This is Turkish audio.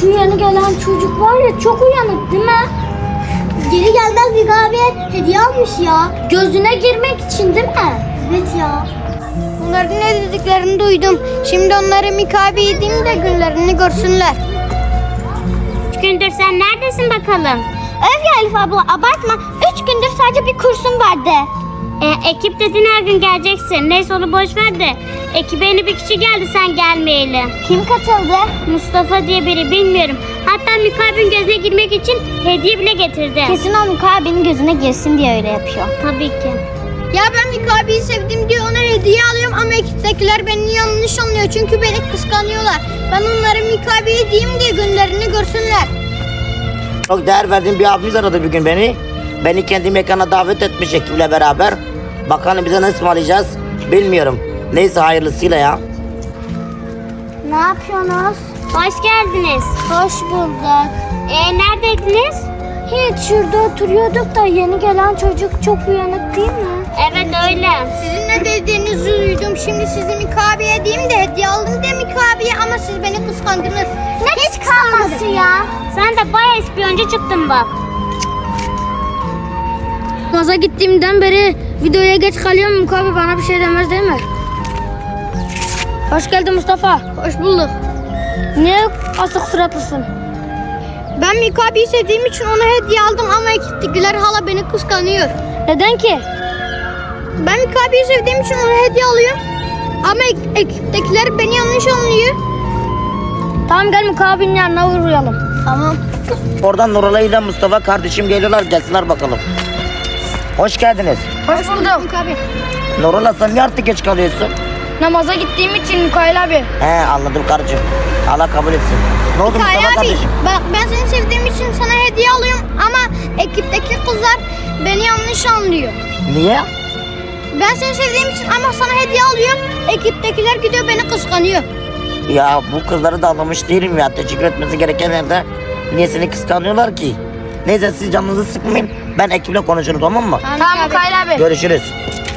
Şu yeni gelen çocuk var ya, çok uyanık değil mi? Geri gelmez bir abiye hediye almış ya. Gözüne girmek için değil mi? Evet ya. Bunların ne dediklerini duydum. Şimdi onlara Mikabi edeyim de günlerini görsünler. 3 gündür sen neredesin bakalım? Öf ya Elif abla abartma. 3 gündür sadece bir kursum vardı. Ekip dedin, her gün geleceksin. Neyse onu boş ver de. Ekibe yeni bir kişi geldi sen gelmeyeli. Kim katıldı? Mustafa diye biri, bilmiyorum. Hatta Mikabil'in gözüne girmek için hediye bile getirdi. Kesin o Mikabe'nin gözüne girsin diye öyle yapıyor. Tabii ki. Ya ben Mikabi'yi sevdim diye ona hediye alıyorum ama ekiptekiler beni yanlış anlıyor. Çünkü beni kıskanıyorlar. Ben onlara Mikabi'yi diyeyim diye günlerini görsünler. Çok değer verdiğim bir abimiz aradı bir gün beni. Beni kendi mekana davet etmiş ekiple beraber. Bakalım bize nasıl ısmarlayacağız bilmiyorum. Neyse hayırlısıyla ya. Ne yapıyorsunuz? Hoş geldiniz. Hoş bulduk. Neredeydiniz? Hiç şurada oturuyorduk da yeni gelen çocuk çok uyanık değil mi? Evet öyle. Sizin ne dediğinizi duydum. Şimdi sizi Mikabi'ye diyeyim de hediye aldım de Mikabi'ye ama siz beni kıskandınız. Hiç kalmadı ya. Sen de bayağı ispiyoncu çıktın bak. Maza gittiğimden beri videoya geç kalıyorum. Mikabi bana bir şey demez değil mi? Hoş geldin Mustafa. Hoş bulduk. Niye asık suratlısın? Ben Mikabi'yi sevdiğim için ona hediye aldım ama ekiptekiler hala beni kıskanıyor. Neden ki? Ben Mikabi'yi sevdiğim için ona hediye alıyorum. Ama ekiptekiler beni yanlış anlıyor. Tamam, gel Mikabil'in yanına uğrayalım. Tamam. Oradan Nuralay ile Mustafa kardeşim geliyorlar, gelsinler bakalım. Hoş geldiniz. Hoş bulduk Mikabi. Nuralay sen niye artık geç kalıyorsun? Namaza gittiğim için Mikail abi. He anladım karıcığım. Allah kabul etsin. Ne oldu Mikail Mustafa abi kardeşim? ben seni sevdiğim için sana hediye alıyorum ama ekipteki kızlar beni yanlış anlıyor. Niye? Ben seni sevdiğim için ama sana hediye alıyorum. Ekiptekiler gidiyor beni kıskanıyor. Ya bu kızları da anlamış değilim ya. Teşekkür etmesi gereken yerde niye seni kıskanıyorlar ki? Neyse siz canınızı sıkmayın. Ben ekiple konuşurum, tamam mı? Tamam Mikail abi. Görüşürüz.